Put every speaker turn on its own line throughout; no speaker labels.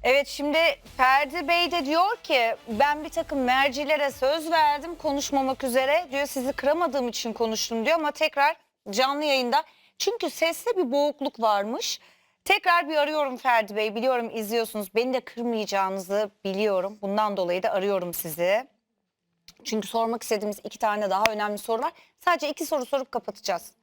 Evet, şimdi Ferdi Bey de diyor ki ben bir takım mercilere söz verdim konuşmamak üzere diyor, sizi kıramadığım için konuştum diyor ama tekrar canlı yayında çünkü seste bir boğukluk varmış. Tekrar bir arıyorum Ferdi Bey, biliyorum izliyorsunuz, beni de kırmayacağınızı biliyorum, bundan dolayı da arıyorum sizi. Çünkü sormak istediğimiz 2 tane daha önemli soru var, sadece 2 soru sorup kapatacağız.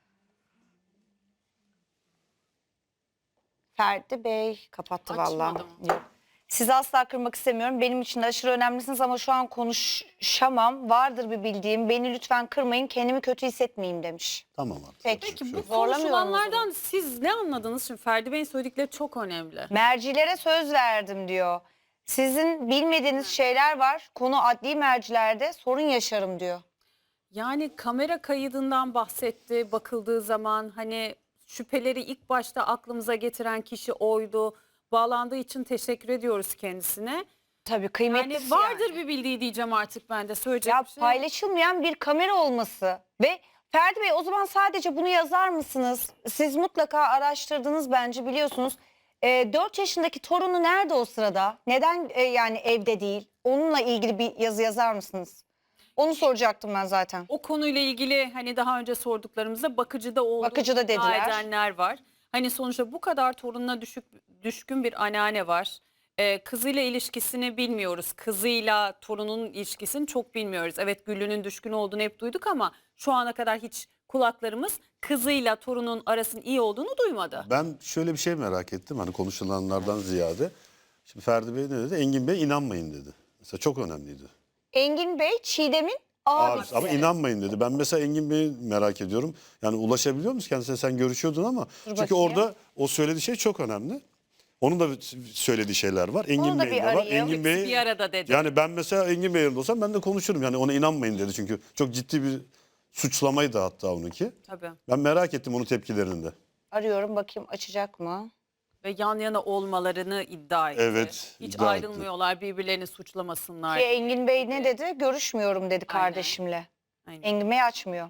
Ferdi Bey kapattı vallahi.
Açmadım.
Yok. Sizi asla kırmak istemiyorum. Benim için de aşırı önemlisiniz ama şu an konuşamam. Vardır bir bildiğim. Beni lütfen kırmayın. Kendimi kötü hissetmeyeyim demiş.
Tamam artık.
Peki.
yapacak bir
Peki
şey
bu
yok.
Zorlamıyorum o
konuşulanlardan
zaman.
siz ne anladınız? Şimdi Ferdi Bey'in söyledikleri çok önemli.
Mercilere söz verdim diyor. Sizin bilmediğiniz şeyler var. Konu adli mercilerde sorun yaşarım diyor.
Yani kamera kaydından bahsetti. Bakıldığı zaman hani şüpheleri ilk başta aklımıza getiren kişi oydu. Bağlandığı için teşekkür ediyoruz kendisine.
Tabii kıymetli.
Yani vardır bir bildiği diyeceğim artık ben de söyleyecek
Ya
bir şey.
paylaşılmayan bir kamera olması ve Ferdi Bey o zaman sadece bunu yazar mısınız? Siz mutlaka araştırdınız bence, biliyorsunuz. 4 yaşındaki torunu nerede o sırada? Neden yani evde değil? Onunla ilgili bir yazı yazar mısınız? Onu soracaktım ben zaten.
O konuyla ilgili hani daha önce sorduklarımızda bakıcıda olduğunu
Bakıcıda
iddia
dediler.
edenler var. Hani sonuçta bu kadar torununa düşkün bir anneanne var. Kızıyla ilişkisini bilmiyoruz. Kızıyla torunun ilişkisini çok bilmiyoruz. Evet, Güllü'nün düşkün olduğunu hep duyduk ama şu ana kadar hiç kulaklarımız kızıyla torunun arasının iyi olduğunu duymadı.
Ben şöyle bir şey merak ettim hani konuşulanlardan ziyade. Şimdi Ferdi Bey ne dedi? Engin Bey inanmayın dedi. Mesela çok önemliydi.
Engin Bey Çiğdem'in
Abi,
abisi.
ama inanmayın dedi. Ben mesela Engin Bey'i merak ediyorum. Yani ulaşabiliyor musun kendisine? Sen görüşüyordun ama. Çünkü
bakayım.
orada o söylediği şey çok önemli. Onun da söylediği şeyler var. Engin
da
Bey'in
bir
de var.
arayayım.
Engin Bey
Bir arada dedi.
yani ben mesela Engin Bey'in yerinde olsam ben de konuşurum. Yani ona inanmayın dedi çünkü çok ciddi bir suçlamaydı hatta onunki.
Tabii.
Ben merak ettim onun tepkilerini de.
Arıyorum, bakayım açacak mı?
Ve yan yana olmalarını iddia etti.
Evet,
Hiç
iddia
ayrılmıyorlar, birbirlerini suçlamasınlar.
Ki Engin Bey ne dedi? Görüşmüyorum dedi
Aynen.
kardeşimle.
Aynen.
Engin Bey açmıyor.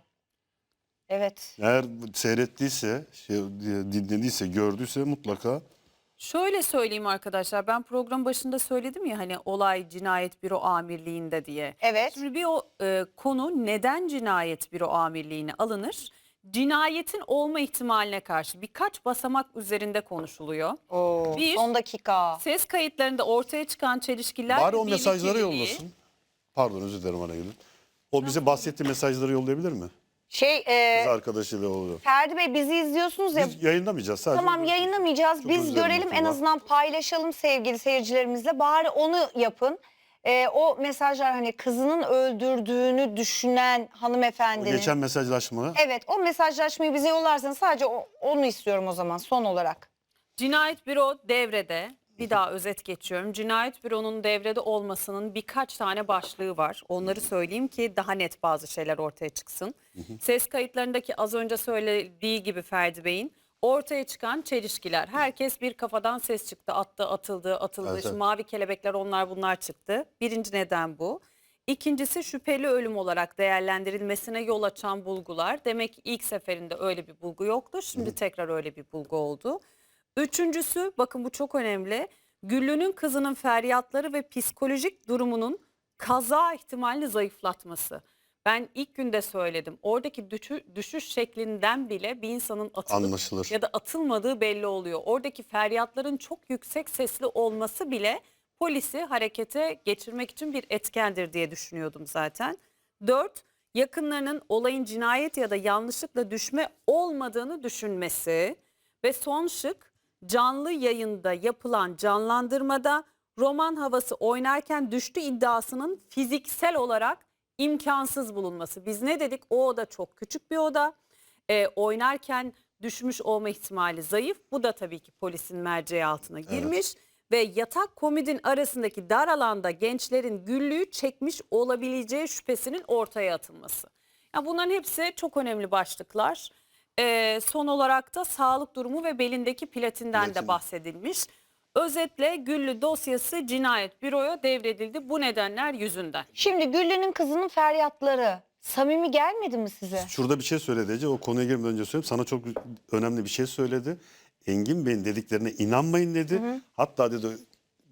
Evet.
Eğer seyrettiyse, dinlediyse, gördüyse mutlaka
Şöyle söyleyeyim arkadaşlar, ben program başında söyledim ya hani olay cinayet büro amirliğinde diye.
Evet.
Şimdi bir konu neden cinayet büro amirliğine alınır? Cinayetin olma ihtimaline karşı birkaç basamak üzerinde konuşuluyor.
Oo,
Bir,
son dakika.
ses kayıtlarında ortaya çıkan çelişkiler
bari
ve
o mesajları
birlikteliği-
yollasın. Pardon özür dilerim ana gelin. O bize bahsettiği mesajları yollayabilir mi? Kız arkadaşıyla oluyor.
Ferdi Bey bizi izliyorsunuz ya.
Biz yayınlamayacağız sadece.
Tamam, yayınlamayacağız.
Çok
Biz
özür dilerim
görelim, en
Tuğba.
azından paylaşalım sevgili seyircilerimizle. Bari onu yapın. O mesajlar, hani kızının öldürdüğünü düşünen hanımefendinin.
Geçen mesajlaşma.
Evet, o mesajlaşmayı bize yollarsanız sadece onu istiyorum o zaman son olarak.
Cinayet büro devrede. Bir daha özet geçiyorum. Cinayet büronun devrede olmasının birkaç tane başlığı var. Onları söyleyeyim ki daha net bazı şeyler ortaya çıksın. Ses kayıtlarındaki az önce söylediği gibi Ferdi Bey'in ortaya çıkan çelişkiler. Herkes bir kafadan ses çıktı. Attı, atıldı, atıldı.
Evet,
Şu
evet.
mavi kelebekler, onlar bunlar çıktı. Birinci neden bu. İkincisi şüpheli ölüm olarak değerlendirilmesine yol açan bulgular. Demek ki ilk seferinde öyle bir bulgu yoktu. Şimdi tekrar öyle bir bulgu oldu. Üçüncüsü, bakın bu çok önemli. Güllü'nün kızının feryatları ve psikolojik durumunun kaza ihtimalini zayıflatması. Ben ilk günde söyledim. Oradaki düşüş şeklinden bile bir insanın atılıp
Anlaşılır.
ya da atılmadığı belli oluyor. Oradaki feryatların çok yüksek sesli olması bile polisi harekete geçirmek için bir etkendir diye düşünüyordum zaten. 4. Yakınlarının olayın cinayet ya da yanlışlıkla düşme olmadığını düşünmesi. Ve son şık, canlı yayında yapılan canlandırmada roman havası oynarken düştü iddiasının fiziksel olarak imkansız bulunması. Biz ne dedik? O oda çok küçük bir oda. Oynarken düşmüş olma ihtimali zayıf. Bu da tabii ki polisin merceği altına girmiş. Ve yatak komodin arasındaki dar alanda gençlerin Güllü'yü çekmiş olabileceği şüphesinin ortaya atılması. Ya bunların hepsi çok önemli başlıklar. Son olarak da sağlık durumu ve belindeki platinden de
Platin.
bahsedilmiş. Özetle Güllü dosyası cinayet büroya devredildi bu nedenler yüzünden.
Şimdi Güllü'nün kızının feryatları samimi gelmedi mi size?
Şurada bir şey söyledi Ece. O konuya girmeden önce söyleyeyim. Sana çok önemli bir şey söyledi. Engin Bey'in dediklerine inanmayın dedi. Hatta dedi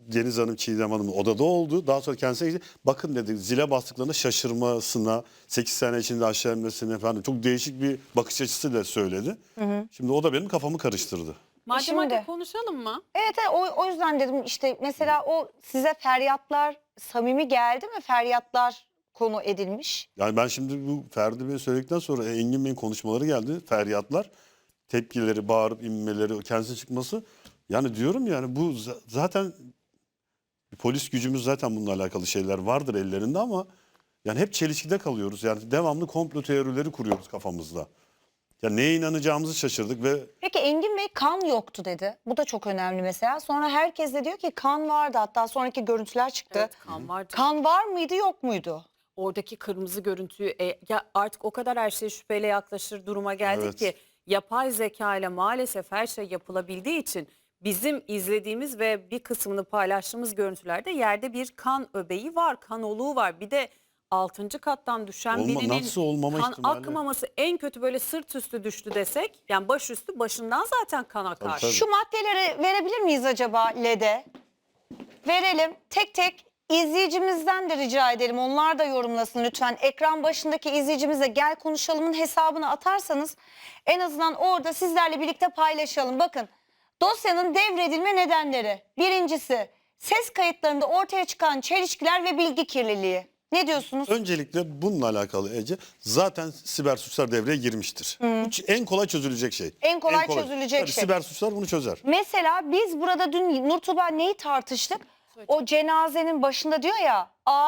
Deniz Hanım, Çiğdem Hanım odada oldu. Daha sonra kendisine gitti. Bakın dedi, zile bastıklarında şaşırmasına, 8 sene içinde aşağı inmesine falan çok değişik bir bakış açısıyla söyledi. Şimdi o da benim kafamı karıştırdı.
Madem
Şimdi-
hadi konuşalım mı?
Evet, o yüzden dedim işte mesela o size feryatlar samimi geldi mi? Feryatlar konu edilmiş.
Yani ben şimdi bu Ferdi Bey söyledikten sonra Engin Bey'in konuşmaları geldi. Feryatlar, tepkileri, bağırıp inmeleri, kendisi çıkması. Yani diyorum yani bu zaten polis gücümüz, zaten bununla alakalı şeyler vardır ellerinde ama yani hep çelişkide kalıyoruz. Yani devamlı komplo teorileri kuruyoruz kafamızda. Ya neye inanacağımızı şaşırdık ve
Peki Engin Bey kan yoktu dedi. Bu da çok önemli mesela. Sonra herkes de diyor ki kan vardı. Hatta sonraki görüntüler çıktı.
Evet, kan var.
Kan var mıydı yok muydu?
Oradaki kırmızı görüntüyü ya artık o kadar her şeye şüpheyle yaklaşır duruma geldik
Evet.
ki yapay zeka ile maalesef her şey yapılabildiği için bizim izlediğimiz ve bir kısmını paylaştığımız görüntülerde yerde bir kan öbeği var, kan oluğu var. Bir de 6. kattan düşen birinin
nasıl olmama
kan
ihtimali?
akmaması, en kötü böyle sırt üstü düştü desek, yani başüstü, başından zaten kan akar.
Tabii.
Şu maddeleri verebilir miyiz acaba LED'e? Verelim. Tek tek izleyicimizden de rica edelim. Onlar da yorumlasın lütfen. Ekran başındaki izleyicimize gel konuşalımın hesabını atarsanız en azından orada sizlerle birlikte paylaşalım. Bakın, dosyanın devredilme nedenleri. Birincisi, ses kayıtlarında ortaya çıkan çelişkiler ve bilgi kirliliği. Ne diyorsunuz?
öncelikle bununla alakalı Ece, zaten siber suçlar devreye girmiştir. Bu en kolay çözülecek şey.
En kolay çözülecek
Tabii
şey.
Siber suçlar bunu çözer.
Mesela biz burada dün Nurtuba neyi tartıştık? O cenazenin başında diyor ya,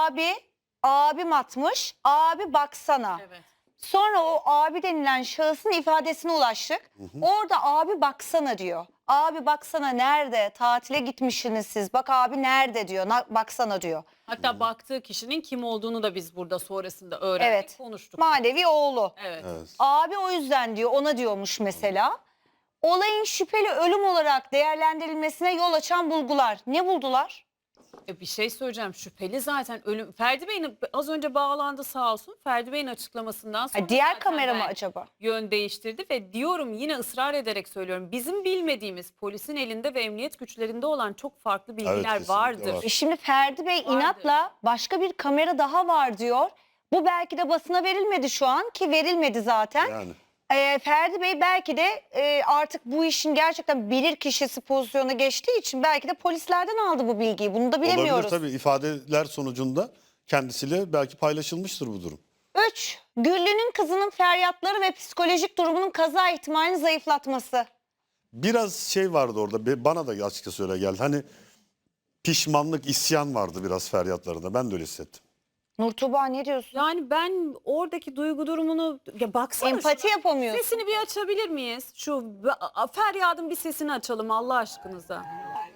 abim atmış, abi baksana.
Evet.
Sonra o abi denilen şahısın ifadesine ulaştık. Orada abi baksana diyor. Abi baksana nerede? Tatile gitmişsiniz siz. Bak abi nerede diyor. Baksana diyor.
Hatta baktığı kişinin kim olduğunu da biz burada sonrasında öğrendik,
Evet.
konuştuk.
Manevi oğlu.
Evet.
Evet.
Abi o yüzden diyor, ona diyormuş mesela. Olayın şüpheli ölüm olarak değerlendirilmesine yol açan bulgular. Ne buldular?
Bir şey söyleyeceğim, şüpheli zaten ölüm. Ferdi Bey'in az önce bağlandı sağ olsun. Ferdi Bey'in açıklamasından sonra
Diğer
zaten
kamera mı
ben
acaba?
yön değiştirdi ve diyorum, yine ısrar ederek söylüyorum. Bizim bilmediğimiz, polisin elinde ve emniyet güçlerinde olan çok farklı bilgiler
kesinlikle
vardır.
var.
Şimdi Ferdi Bey
Vardır.
inatla başka bir kamera daha var diyor. Bu belki de basına verilmedi şu an, ki verilmedi zaten.
Yani.
Ferdi Bey belki de artık bu işin gerçekten bilir kişisi pozisyona geçtiği için belki de polislerden aldı bu bilgiyi. Bunu da bilemiyoruz.
Olabilir tabii, ifadeler sonucunda kendisiyle belki paylaşılmıştır bu durum.
3. Güllü'nün kızının feryatları ve psikolojik durumunun kaza ihtimalini zayıflatması.
Biraz şey vardı orada, bana da açıkçası öyle geldi. Hani pişmanlık, isyan vardı biraz feryatlarında. Ben de öyle hissettim.
Nurtuba ne diyorsun?
Yani ben oradaki duygu durumunu, ya baksana
Empati
şuna.
yapamıyorsun.
Sesini bir açabilir miyiz? Şu feryadın bir sesini açalım Allah aşkınıza.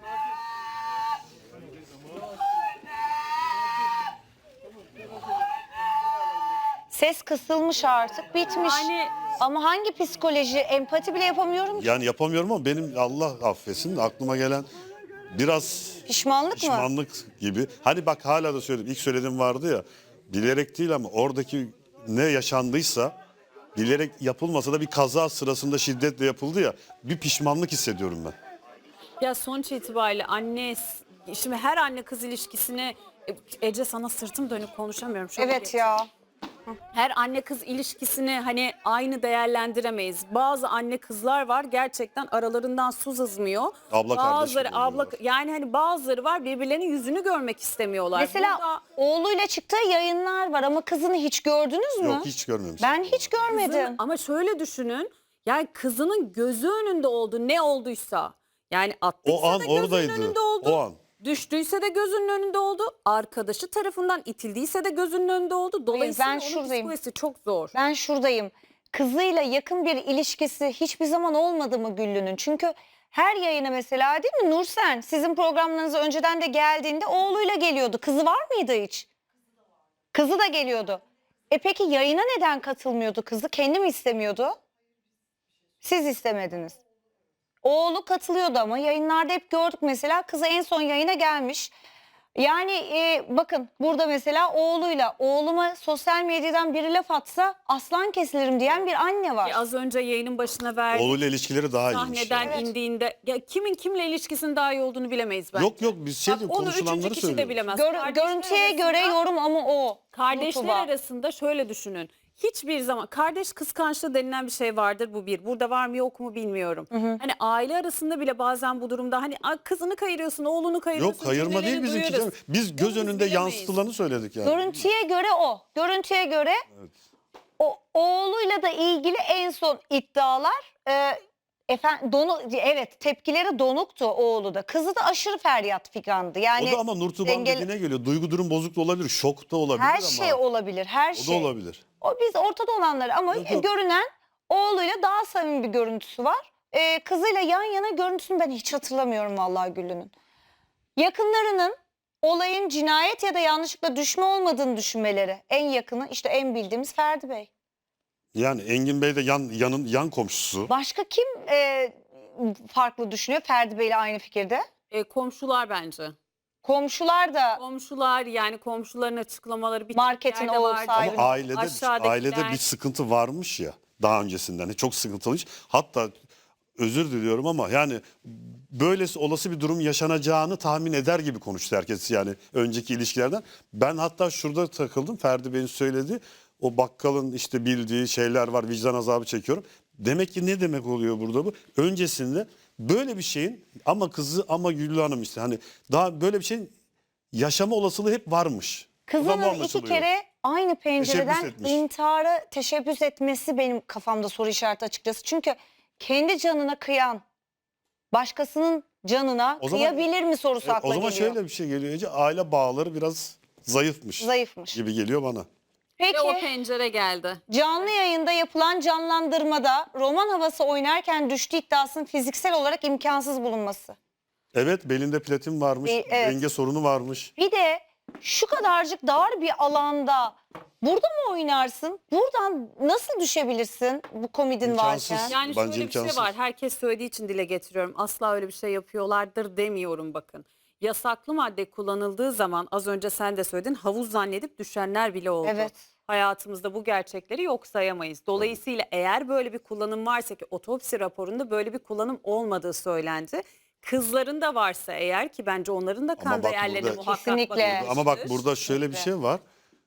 Ses kısılmış artık, bitmiş.
Yani
Ama hangi psikoloji, empati bile yapamıyorum ki.
Yani yapamıyorum ama benim, Allah affetsin, aklıma gelen biraz
Pişmanlık mı?
pişmanlık gibi. Hani bak, hala da söyledim. İlk söylediğim vardı ya, bilerek değil ama oradaki ne yaşandıysa bilerek yapılmasa da bir kaza sırasında şiddetle yapıldı ya, bir pişmanlık hissediyorum ben.
ya sonuç itibariyle şimdi her anne kız ilişkisini, Ece sana sırtım dönüp konuşamıyorum. Çok
Evet
iyi.
ya.
Her anne kız ilişkisini hani aynı değerlendiremeyiz. Bazı anne kızlar var, gerçekten aralarından su sızmıyor.
Abla kardeş
bazıları
gibi oluyorlar.
yani hani bazıları var, birbirlerinin yüzünü görmek istemiyorlar.
Mesela
Burada
oğluyla çıktığı yayınlar var ama kızını hiç gördünüz mü?
Yok, hiç görmemiştim.
Ben hiç görmedim.
ama şöyle düşünün. Yani kızının gözü önünde oldu, ne olduysa. Yani attıysa
O an
da gözünün
oradaydı.
önünde oldu.
O an.
Düştüyse de gözünün önünde oldu. Arkadaşı tarafından itildiyse de gözünün önünde oldu. Dolayısıyla
ben
onun
şuradayım.
psikolojisi çok zor.
Ben şuradayım. Kızıyla yakın bir ilişkisi hiçbir zaman olmadı mı Güllü'nün? Çünkü her yayına mesela, değil mi Nursen? Sizin programlarınıza önceden de geldiğinde oğluyla geliyordu. Kızı var mıydı hiç? Kızı da geliyordu. Peki yayına neden katılmıyordu kızı? Kendi mi istemiyordu? Siz istemediniz. Oğlu katılıyordu ama yayınlarda hep gördük mesela. Kızı en son yayına gelmiş. Yani bakın burada mesela oğluyla oğluma sosyal medyadan biri laf atsa aslan kesilirim diyen bir anne var.
Az önce yayının başına verdiğim
Oğluyla ilişkileri daha iyiymiş.
sahneden
yani.
Evet.
indiğinde ya kimin kimle ilişkisinin daha iyi olduğunu bilemeyiz bence.
Yok biz
Bak, onu
konuşulanları
üçüncü kişi de
söylüyoruz.
bilemez. Kardeşler
Görüntüye göre
arasında-
yorum ama o.
Kardeşler
Nutuba.
arasında şöyle düşünün. Hiçbir zaman kardeş kıskançlığı denilen bir şey vardır, bu bir. Burada var mı yok mu bilmiyorum. Hani aile arasında bile bazen bu durumda hani kızını kayırıyorsun, oğlunu kayırıyorsun.
Yok kayırma değil
cümleleri
bizimki
duyuyoruz.
canım. Biz göz
Bunu biz
önünde
bilemeyiz.
yansıtılanı söyledik yani.
Görüntüye göre o. Görüntüye göre o oğluyla da ilgili en son iddialar evet tepkileri donuktu oğlu da. Kızı da aşırı feryat figandı. Yani
O da ama Nurtuğ'un dediğine geliyor. Duygu durum bozuk da olabilir, şok da olabilir
her
ama.
şey olabilir. Her
O da
şey.
olabilir.
O biz ortada olanları ama
Yok.
görünen oğluyla daha samimi bir görüntüsü var. Kızıyla yan yana görüntüsünü ben hiç hatırlamıyorum vallahi Güllü'nün. Yakınlarının olayın cinayet ya da yanlışlıkla düşme olmadığını düşünmeleri. En yakını işte en bildiğimiz Ferdi Bey.
Yani Engin Bey de yan komşusu.
Başka kim farklı düşünüyor Ferdi Bey'le aynı fikirde?
Komşular bence.
Komşular da
Komşular, yani komşuların açıklamaları bir
Marketin
yerde
oğul
vardı.
sahibi.
Ama
Aşağıdakiler-
ailede bir sıkıntı varmış ya daha öncesinden. Çok sıkıntılıymış. Hatta özür diliyorum ama yani böylesi olası bir durum yaşanacağını tahmin eder gibi konuştu herkes yani önceki ilişkilerden. Ben hatta şurada takıldım. Ferdi Bey'in söylediği o bakkalın işte bildiği şeyler var, vicdan azabı çekiyorum. Demek ki ne demek oluyor burada bu? Öncesinde böyle bir şeyin ama kızı ama Güllü Hanım işte hani daha böyle bir şeyin yaşama olasılığı hep varmış. Buradan bu
kızının iki
anlaşılıyor.
kere aynı pencereden
Teşebbüs etmiş.
intihara teşebbüs etmesi benim kafamda soru işareti açıkçası. Çünkü kendi canına kıyan başkasının canına
O zaman-
kıyabilir mi sorusu akla
O zaman
geliyor.
şöyle bir şey geliyor Ece, aile bağları biraz zayıfmış
Zayıfmış.
gibi geliyor bana.
Peki
Ve o pencere geldi.
canlı yayında yapılan canlandırmada roman havası oynarken düştüğü iddiasının fiziksel olarak imkansız bulunması.
Evet belinde platin varmış,
Evet.
denge sorunu varmış.
Bir de şu kadarcık dar bir alanda burada mı oynarsın? Buradan nasıl düşebilirsin bu komedin
İmkansız.
varken?
Yani
Bence
şöyle bir şey
imkansız.
var. Herkes söylediği için dile getiriyorum. Asla öyle bir şey yapıyorlardır demiyorum bakın. Yasaklı madde kullanıldığı zaman az önce sen de söyledin, havuz zannedip düşenler bile oldu.
Evet.
Hayatımızda bu gerçekleri yok sayamayız. Dolayısıyla eğer böyle bir kullanım varsa, ki otopsi raporunda böyle bir kullanım olmadığı söylendi. Kızların da varsa eğer, ki bence onların da kan
bak
değerlerine
burada-
muhakkak
Kesinlikle.
bakılmıştır.
Ama bak burada şöyle bir
Kesinlikle.
şey var.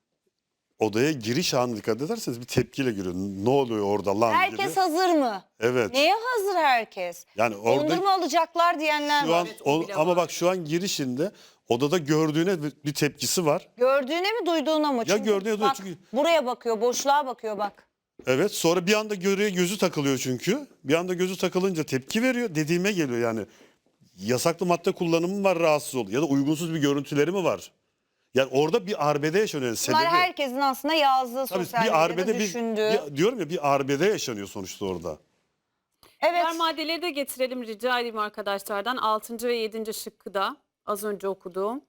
Odaya giriş anı dikkat ederseniz bir tepkiyle giriyor. Ne oluyor orada lan
Herkes
gibi.
hazır mı?
Evet.
Neye hazır herkes?
Yani orada
Dondurma alacaklar diyenler
şu
var.
an
Evet, o bile
ama
var.
bak şu an girişinde odada gördüğüne bir tepkisi var.
Gördüğüne mi duyduğuna mı?
Ya
Çünkü
gördüğüne duyuyor
bak,
çünkü-
buraya bakıyor, boşluğa bakıyor bak.
Evet sonra bir anda gözü takılıyor çünkü. Bir anda gözü takılınca tepki veriyor. Dediğime geliyor yani. Yasaklı madde kullanımı mı var rahatsız oluyor ya da uygunsuz bir görüntüleri mi var? Yani orada bir arbede yaşanıyor. Yani
Bunlar
sebebi.
herkesin aslında yazdığı,
Tabii
sosyal
bir
medyada
arbede
düşündüğü.
diyorum ya bir arbede yaşanıyor sonuçta orada.
Evet.
Diğer maddeleri de getirelim rica edeyim arkadaşlardan. 6. ve 7. şıkkı da az önce okuduğum.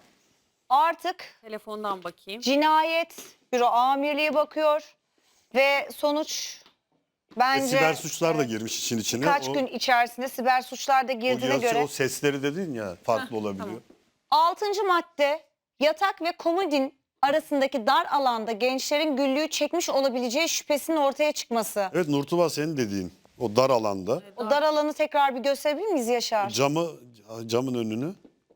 Artık
Telefondan bakayım.
cinayet büro amirliği bakıyor ve sonuç bence
Siber suçlar da girmiş işin içine.
birkaç gün içerisinde siber suçlar da girdiğine göre
o sesleri dedin ya farklı olabiliyor.
tamam.
6. madde yatak ve komodin arasındaki dar alanda gençlerin Güllü'yü çekmiş olabileceği şüphesinin ortaya çıkması.
Evet Nurtuba senin dediğin o dar alanda
O dar alanı tekrar bir gösterebilir miyiz Yaşar?
camın önünü.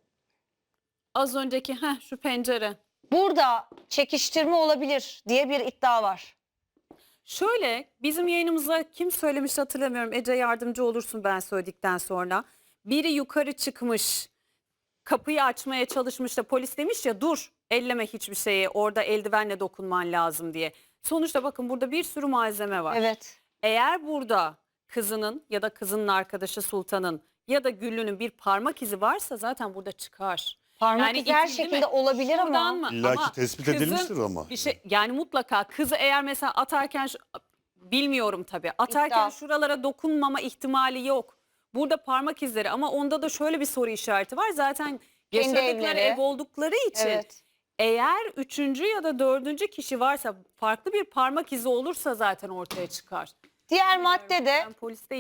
Az önceki şu pencere.
Burada çekiştirme olabilir diye bir iddia var.
Şöyle, bizim yayınımıza kim söylemişti hatırlamıyorum. Ece yardımcı olursun ben söyledikten sonra. Biri yukarı çıkmış, kapıyı açmaya çalışmış da polis demiş ya dur elleme hiçbir şeye, orada eldivenle dokunman lazım diye. Sonuçta bakın burada bir sürü malzeme var.
Evet.
Eğer burada kızının ya da kızının arkadaşı Sultan'ın ya da Güllü'nün bir parmak izi varsa zaten burada çıkar.
Parmak izi her
itildi mi?
şekilde olabilir ama.
Şuradan mı?
İlla ki
Ama
tespit
kızın
edilmiştir ama.
Bir şey, yani mutlaka kızı eğer mesela atarken bilmiyorum tabii. Atarken
İddia.
şuralara dokunmama ihtimali yok. Burada parmak izleri ama onda da şöyle bir soru işareti var. Zaten
Kendi
yaşadıkları
evleri.
ev oldukları için
Evet.
eğer üçüncü ya da dördüncü kişi varsa farklı bir parmak izi olursa zaten ortaya çıkar.
Diğer maddede
Ben polis değilim.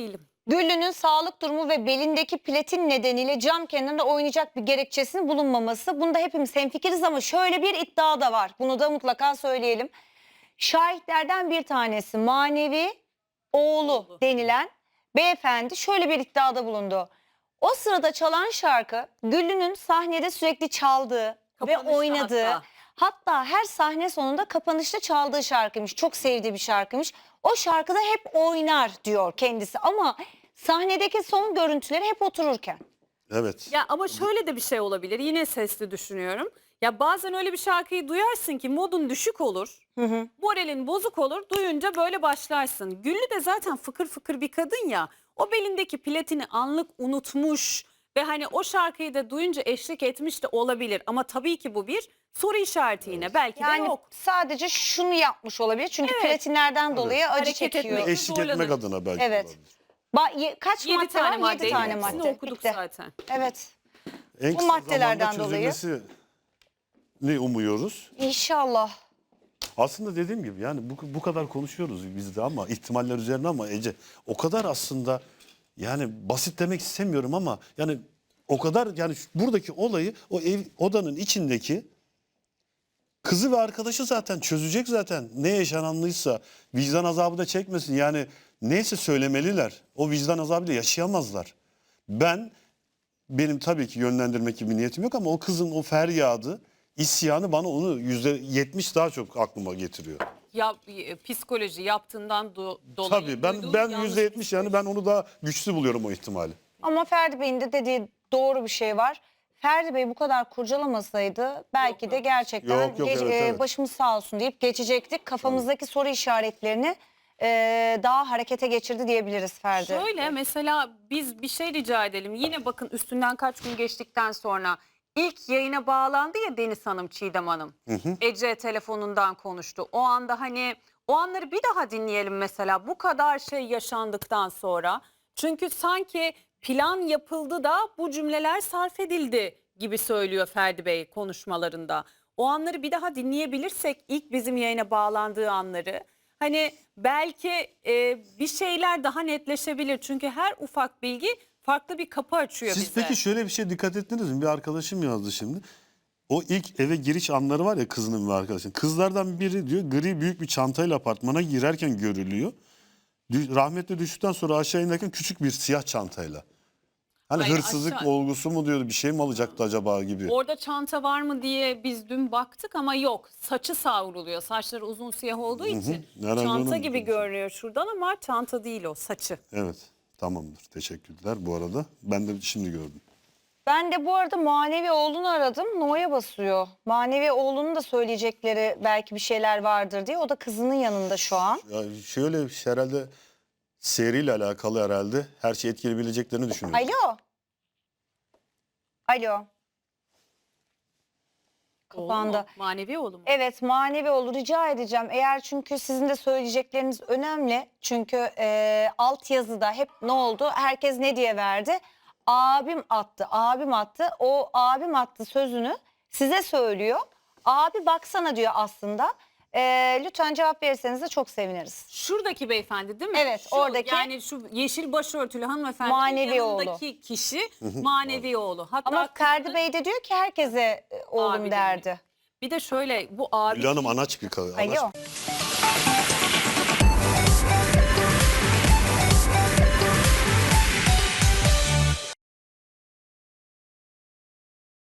Güllü'nün sağlık durumu ve belindeki platin nedeniyle cam kenarında oynayacak bir gerekçesinin bulunmaması. Bunda hepimiz hemfikiriz ama şöyle bir iddia da var. Bunu da mutlaka söyleyelim. Şahitlerden bir tanesi manevi oğlu denilen beyefendi şöyle bir iddiada bulundu. O sırada çalan şarkı Güllü'nün sahnede sürekli çaldığı ve
Kapanışta
oynadığı, hatta her sahne sonunda kapanışta çaldığı şarkıymış. Çok sevdiği bir şarkıymış. O şarkıda hep oynar diyor kendisi ama sahnedeki son görüntüleri hep otururken.
Evet.
Ya ama şöyle de bir şey olabilir. Yine sesli düşünüyorum. Ya bazen öyle bir şarkıyı duyarsın ki modun düşük olur. Moralin bozuk olur. Duyunca böyle başlarsın. Güllü de zaten fıkır fıkır bir kadın ya. O belindeki platini anlık unutmuş ve hani o şarkıyı da duyunca eşlik etmiş de olabilir. Ama tabii ki bu bir soru işareti yine. Belki de
Yani
yok.
sadece şunu yapmış olabilir. Çünkü
Evet.
platinlerden dolayı acı
Hareket
çekiyor.
etmek
Eşlik etmek
zorlanır.
adına belki
Evet.
olabilir.
Kaç
7
madde
tane
var? 7
madde.
tane
Hepsini
madde.
okuduk
Bitti.
zaten.
Evet.
En
Bu
kısa
maddelerden
zamanda
dolayı.
ne umuyoruz?
İnşallah.
Aslında dediğim gibi yani bu kadar konuşuyoruz biz de ama ihtimaller üzerine ama Ece o kadar aslında yani basit demek istemiyorum ama yani o kadar yani buradaki olayı o odanın içindeki kızı ve arkadaşı zaten çözecek zaten. Ne yaşananlıysa vicdan azabı da çekmesin. Yani neyse söylemeliler. O vicdan azabıyla yaşayamazlar. Benim tabii ki yönlendirmek gibi bir niyetim yok ama o kızın o feryadı, isyanı bana onu %70 daha çok aklıma getiriyor.
Ya psikoloji yaptığından dolayı.
Tabii
duyduğu
ben
yanlış
%70 yani ben onu daha güçlü buluyorum o ihtimali.
Ama Ferdi Bey'in de dediği doğru bir şey var. Ferdi Bey bu kadar kurcalamasaydı belki
Yok,
de
yok.
gerçekten
Yok, evet.
başımız sağ olsun deyip geçecektik. Kafamızdaki soru işaretlerini daha harekete geçirdi diyebiliriz Ferdi.
Şöyle mesela biz bir şey rica edelim. Yine bakın üstünden kaç gün geçtikten sonra ilk yayına bağlandı ya Deniz Hanım, Çiğdem Hanım. Ece telefonundan konuştu. O anda hani o anları bir daha dinleyelim mesela bu kadar şey yaşandıktan sonra. Çünkü sanki plan yapıldı da bu cümleler sarf edildi gibi söylüyor Ferdi Bey konuşmalarında. O anları bir daha dinleyebilirsek ilk bizim yayına bağlandığı anları hani belki bir şeyler daha netleşebilir. Çünkü her ufak bilgi farklı bir kapı açıyor
Siz
bize.
peki şöyle bir şey dikkat ettiniz mi? Bir arkadaşım yazdı şimdi. O ilk eve giriş anları var ya kızının ve arkadaşının. Kızlardan biri diyor gri büyük bir çantayla apartmana girerken görülüyor. Rahmetli düştükten sonra aşağı inerken küçük bir siyah çantayla. Hani
Hayır,
hırsızlık
aşağı-
olgusu mu diyordu bir şey mi alacaktı acaba gibi.
Orada çanta var mı diye biz dün baktık ama yok. Saçı savruluyor. Saçları uzun siyah olduğu için
Herhalde
çanta
onun
gibi
için.
görünüyor şuradan ama çanta değil o, saçı.
Evet tamamdır teşekkürler bu arada. Ben de şimdi gördüm.
Ben de bu arada Manevi oğlunu aradım. No'ya basıyor. Manevi oğlunun da söyleyecekleri belki bir şeyler vardır diye. O da kızının yanında şu an.
Ya şöyle herhalde seriyle alakalı herhalde her şeyi etkileyebileceklerini düşünüyorum.
Alo. Alo.
Oğlu
Kapandı.
mu? Manevi oğlu mu?
Evet manevi olur rica edeceğim. Eğer çünkü sizin de söyleyecekleriniz önemli. Çünkü altyazıda hep ne oldu? Herkes ne diye verdi? Abim attı, abim attı. O abim attı sözünü size söylüyor. Abi baksana diyor aslında. Lütfen cevap verirseniz de çok seviniriz.
Şuradaki beyefendi değil mi?
Evet, oradaki.
Yani şu yeşil başörtülü hanımefendi
Manevi
yanındaki kişi manevi oğlu. Hatta
Ama
kızı-
Ferdi Bey de diyor ki herkese oğlum
Abi
derdi.
Bir de şöyle bu abi
Gül Hanım anaç bir kadın.
Alo.